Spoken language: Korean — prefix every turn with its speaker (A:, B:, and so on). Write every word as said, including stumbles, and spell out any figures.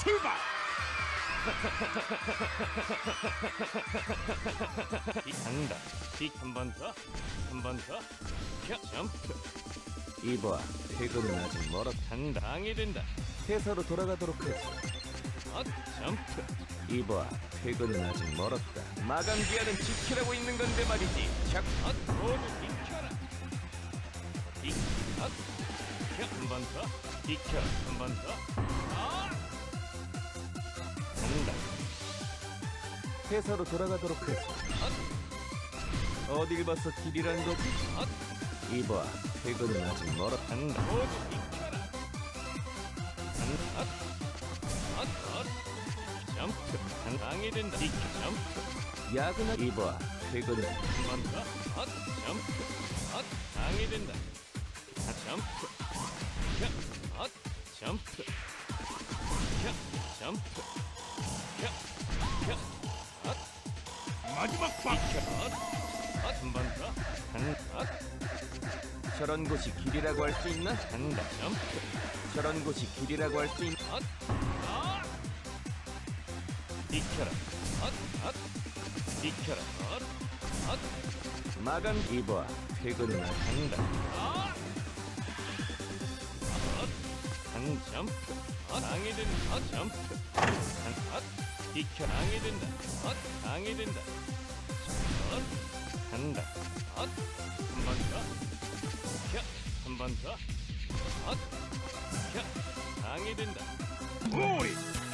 A: 출발!
B: 간다. 한 번 더, 한 번 더. 켜, 점프.
C: 이봐, 퇴근은 아직 멀었다.
B: 간다. 방해된다.
C: 회사로 돌아가도록 하지.
B: 엇, 점프.
C: 이봐, 퇴근은 아직 멀었다. 마감 기한은 지키라고 있는 건데 말이지. 자,
B: 엇, 모두 비켜라. 비, 엇. 켜, 한 번 더. 비켜, 한 번 더. 아! 간다.
C: 회사로 돌아가도록 하지. 어딜 봐서 길이란 거지?
B: 엇,
C: 이봐, 퇴근은 아직 멀었다.
B: 간다. 모두 비켜라. 간다. 엇, 엇, 엇. 점프. 간, 방해된다. 비켜, 점프.
C: 야근하. 이봐, 퇴근은
B: 한 번 더. 엇, 점프. 엇, 방해된다. 아, 점프. 켜, 엇, 점프. 켜, 점프. 켜, 켜, 엇,
A: 마지막 방!
B: 비켜, 엇, 엇, 한 번 더. 간, 엇,
C: 저런 곳이 길이라고 할 수 있나?
B: 간다. 점프.
C: 저런 곳이 길이라고 할 수 있나?
B: 엇, 아! 비켜라. 엇, 엇, 비켜라. 엇, 엇,
C: 마감. 이봐, 퇴근은 아직.
B: 간다. 아! 엇, 한 점프. 엇, 방해된다. 엇, 점프. 한, 엇, 비켜. 방해된다. 엇, 방해된다. 엇, 간다. 엇, 한 번 더. 켜, 한 번 더. 엇, 켜, 방해된다.
A: 우리